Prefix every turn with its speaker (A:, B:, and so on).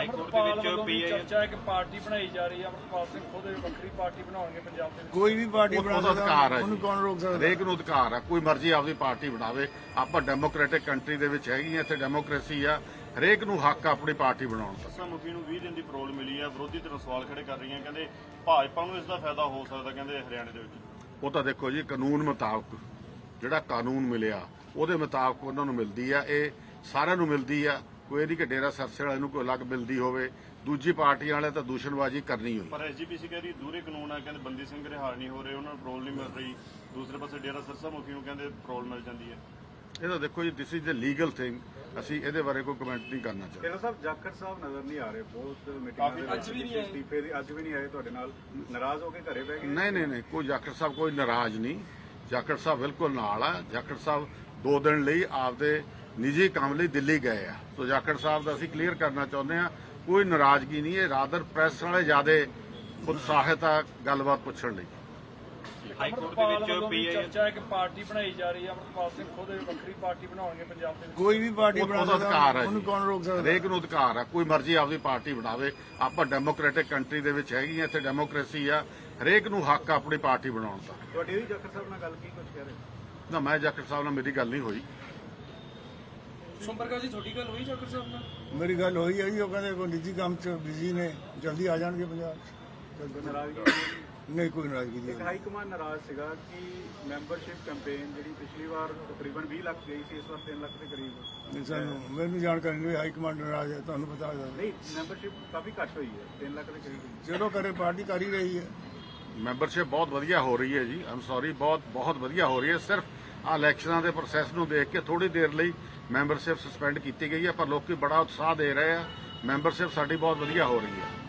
A: ਅਮਰਪਾਲ ਵੱਲੋਂ ਵੀ ਚਰਚਾ ਹੈ ਕਿ ਪਾਰਟੀ ਬਣਾਈ ਜਾ ਰਹੀ ਹੈ। ਅਮਰਪਾਲ ਸਿੰਘ ਖੁਦ ਵੱਖਰੀ ਪਾਰਟੀ ਬਣਾਉਣਗੇ ਪੰਜਾਬ ਦੇ ਵਿੱਚ।
B: ਕੋਈ ਵੀ ਪਾਰਟੀ ਬਣਾ
C: ਉਹਦਾ ਅਧਿਕਾਰ ਹੈ
B: ਉਹਨੂੰ ਕੌਣ ਰੋਕ ਸਕਦਾ?
C: ਹਰੇਕ ਨੂੰ ਅਧਿਕਾਰ ਹੈ, ਕੋਈ ਮਰਜ਼ੀ ਆਪਦੀ ਪਾਰਟੀ ਬਣਾਵੇ। ਆਪਾਂ ਡੈਮੋਕ੍ਰੈਟਿਕ ਕੰਟਰੀ ਦੇ ਵਿੱਚ ਹੈਗੀ ਆ, ਇੱਥੇ ਡੈਮੋਕ੍ਰੇਸੀ ਆ, ਹਰੇਕ ਨੂੰ ਹੱਕ ਆ ਆਪਣੀ ਪਾਰਟੀ ਬਣਾਉਣ ਦਾ।
D: ਸਰਸਾ ਮੁਖੀ ਨੂੰ 20 ਦਿਨ ਦੀ ਪਰੋਲ ਮਿਲੀ ਹੈ। ਵਿਰੋਧੀ ਧਿਰਾਂ ਸਵਾਲ ਖੜੇ ਕਰ ਰਹੀਆਂ, ਕਹਿੰਦੇ ਭਾਜਪਾ ਨੂੰ ਇਸ ਦਾ ਫਾਇਦਾ ਹੋ ਸਕਦਾ, ਕਹਿੰਦੇ ਹਰਿਆਣੇ ਦੇ ਵਿੱਚ।
C: ਉਹ ਤਾਂ ਦੇਖੋ ਜੀ, ਕਾਨੂੰਨ ਮੁਤਾਬਕ ਜਿਹੜਾ ਕਾਨੂੰਨ ਮਿਲਿਆ ਉਹਦੇ ਮੁਤਾਬਕ ਉਹਨਾਂ ਨੂੰ ਮਿਲਦੀ ਆ, ਇਹ ਸਾਰਿਆਂ ਨੂੰ ਮਿਲਦੀ ਆ। ਕੋਈ ਨਹੀਂ ਕਿ ਡੇਰਾ ਸਰਸੇ ਵਾਲੇ ਨੂੰ ਕੋਈ ਅਲੱਗ ਮਿਲਦੀ ਹੋਵੇ, ਦੂਜੀ ਪਾਰਟੀਆਂ ਵਾਲੇ ਤਾਂ ਦੂਸ਼ਣਬਾਜ਼ੀ ਕਰਨੀ ਹੋਈ।
D: ਪਰ ਐਸਜੀਪੀਸੀ ਕਹਿ ਰਹੀ ਦੂਰੇ ਕਾਨੂੰਨ ਆ, ਕਹਿੰਦੇ ਬੰਦੀ ਸਿੰਘ ਰਿਹਾਅ ਨਹੀਂ ਹੋ ਰਹੇ, ਉਹਨਾਂ ਨੂੰ ਪਰੋਲ ਨਹੀਂ ਮਿਲ ਰਹੀ। ਦੂਸਰੇ ਪਾਸੇ ਡੇਰਾ ਸਰਸਾ ਮੁਖੀ ਨੂੰ ਕਹਿੰਦੇ ਪਰੋਲ ਮਿਲ ਜਾਂਦੀ ਹੈ।
C: ਇਹ ਤਾਂ ਦੇਖੋ ਜੀ, this is a legal thing, ਅਸੀਂ ਇਹਦੇ ਬਾਰੇ ਕੋਈ ਕਮੈਂਟ ਨਹੀਂ ਕਰਨਾ ਚਾਹੁੰਦੇ।
E: ਡੇਰਾ ਸਾਹਿਬ ਜਾਖੜ ਸਾਹਿਬ ਨਜ਼ਰ ਨਹੀਂ ਆ ਰਹੇ, ਬਹੁਤ ਮੀਟਿੰਗਾਂ ਦੇ ਵਿੱਚ ਅਸਤੀਫੇ ਦੀ ਅੱਜ ਵੀ ਨਹੀਂ ਆਏ ਤੁਹਾਡੇ ਨਾਲ, ਨਾਰਾਜ਼ ਹੋ ਕੇ ਘਰੇ ਬਹਿ ਗਏ।
C: ਨਹੀਂ, ਕੋਈ ਜਾਖੜ ਸਾਹਿਬ ਕੋਈ ਨਾਰਾਜ਼ ਨਹੀਂ। ਜਾਖੜ ਸਾਹਿਬ ਬਿਲਕੁਲ ਨਾਲ ਆ। ਜਾਖੜ ਸਾਹਿਬ 2 ਦਿਨ ਲਈ ਆਪਦੇ ਨਿੱਜੀ ਕੰਮ ਲਈ ਦਿੱਲੀ ਗਏ ਆ। ਸੋ ਜਾਖੜ ਸਾਹਿਬ ਦਾ ਅਸੀਂ ਕਲੀਅਰ ਕਰਨਾ ਚਾਹੁੰਦੇ ਆ, ਕੋਈ ਨਾਰਾਜ਼ਗੀ ਨਹੀਂ। ਇਹ ਰਾਦਰ ਪ੍ਰੈਸ ਵਾਲੇ ਜ਼ਿਆਦਾ ਉਤਸ਼ਾਹਿਤ ਆ ਗੱਲਬਾਤ ਪੁੱਛਣ ਲਈ।
A: ਅਮਰਪਾਲ ਵੱਲੋਂ ਵੀ ਚਰਚਾ ਹੈ ਕਿ ਪਾਰਟੀ ਬਣਾਈ ਜਾ ਰਹੀ ਹੈ। ਅਮਰਪਾਲ ਸਿੰਘ ਖੁਦ ਵੱਖਰੀ ਪਾਰਟੀ ਬਣਾਉਣਗੇ ਪੰਜਾਬ ਦੇ ਵਿੱਚ।
B: ਕੋਈ ਵੀ ਪਾਰਟੀ ਬਣਾ
C: ਉਹਦਾ ਅਧਿਕਾਰ ਹੈ,
B: ਉਹਨੂੰ ਕੌਣ ਰੋਕ ਸਕਦਾ?
C: ਹਰੇਕ ਨੂੰ ਅਧਿਕਾਰ ਆ, ਕੋਈ ਮਰਜ਼ੀ ਆਪਦੀ ਪਾਰਟੀ ਬਣਾਵੇ। ਆਪਾਂ ਡੈਮੋਕ੍ਰੈਟਿਕ ਕੰਟਰੀ ਦੇ ਵਿੱਚ ਹੈਗੀ ਆ, ਇੱਥੇ ਡੈਮੋਕ੍ਰੇਸੀ ਆ, ਹਰੇਕ ਨੂੰ ਹੱਕ ਆ ਆਪਣੀ ਪਾਰਟੀ ਬਣਾਉਣ ਦਾ।
E: ਤੁਹਾਡੀ ਵੀ ਜਾਖੜ ਸਾਹਿਬ ਨਾਲ ਗੱਲ ਕੀ ਕੁਝ ਕਹਿ ਰਹੇ?
C: ਨਾ, ਮੈਂ ਜਾਖੜ ਸਾਹਿਬ ਨਾਲ ਮੇਰੀ ਗੱਲ ਨਹੀਂ ਹੋਈ।
A: ਸੰਪਰਕਾ ਜੀ ਤੁਹਾਡੀ ਗੱਲ ਹੋਈ ਜਾਖੜ ਸਾਹਿਬ ਨਾਲ?
B: ਮੇਰੀ ਗੱਲ ਹੋਈ ਹੈ ਜੀ, ਉਹ ਕਹਿੰਦੇ ਕੋਈ ਨਿੱਜੀ ਕੰਮ 'ਚ ਬਿਜ਼ੀ ਨੇ, ਜਲਦੀ ਆ ਜਾਣਗੇ ਪੰਜਾਬ 'ਚ।
E: ਨਾਰਾਜ਼ਗੀ
B: ਨਹੀਂ, ਕੋਈ ਨਾਰਾਜ਼ਗੀ
E: ਇੱਕ
B: ਨਹੀਂ।
E: ਹਾਈ ਕਮਾਂਡ ਨਾਰਾਜ਼ ਸੀਗਾ ਕਿ ਮੈਂਬਰਸ਼ਿਪ ਕੈਂਪੇਨ ਜਿਹੜੀ ਪਿਛਲੀ ਵਾਰ ਤਕਰੀਬਨ 20 ਲੱਖ ਗਈ ਸੀ, ਇਸ ਵਾਰ 3 ਲੱਖ ਦੇ ਕਰੀਬ।
B: ਨਹੀਂ, ਮੈਨੂੰ ਜਾਣਕਾਰੀ ਨਹੀਂ, ਹਾਈ ਕਮਾਂਡ ਨਾਰਾਜ਼ ਹੈ, ਤੁਹਾਨੂੰ ਪਤਾ ਹੈ।
E: ਨਹੀਂ, ਮੈਂਬਰਸ਼ਿਪ ਕਾਫੀ ਘੱਟ ਹੋਈ ਹੈ, 3 ਲੱਖ ਦੇ ਕਰੀਬ।
B: ਚਲੋ ਕਰੇ, ਪਾਰਟੀ ਕਰ ਹੀ ਰਹੀ ਹੈ।
C: ਮੈਂਬਰਸ਼ਿਪ ਬਹੁਤ ਵਧੀਆ ਹੋ ਰਹੀ ਹੈ ਜੀ, ਆਮ ਸੌਰੀ, ਬਹੁਤ ਵਧੀਆ ਹੋ ਰਹੀ ਹੈ। ਸਿਰਫ ਆ ਇਲੈਕਸ਼ਨਾਂ ਦੇ ਪ੍ਰੋਸੈਸ ਨੂੰ ਦੇਖ ਕੇ ਥੋੜੀ ਦੇਰ ਲਈ ਮੈਂਬਰਸ਼ਿਪ ਸਸਪੈਂਡ ਕੀਤੀ ਗਈ ਹੈ, ਪਰ ਲੋਕੀ ਬੜਾ ਉਤਸ਼ਾਹ ਦੇ ਰਹੇ ਆ। ਮੈਂਬਰਸ਼ਿਪ ਸਾਡੀ ਬਹੁਤ ਵਧੀਆ ਹੋ ਰਹੀ ਹੈ।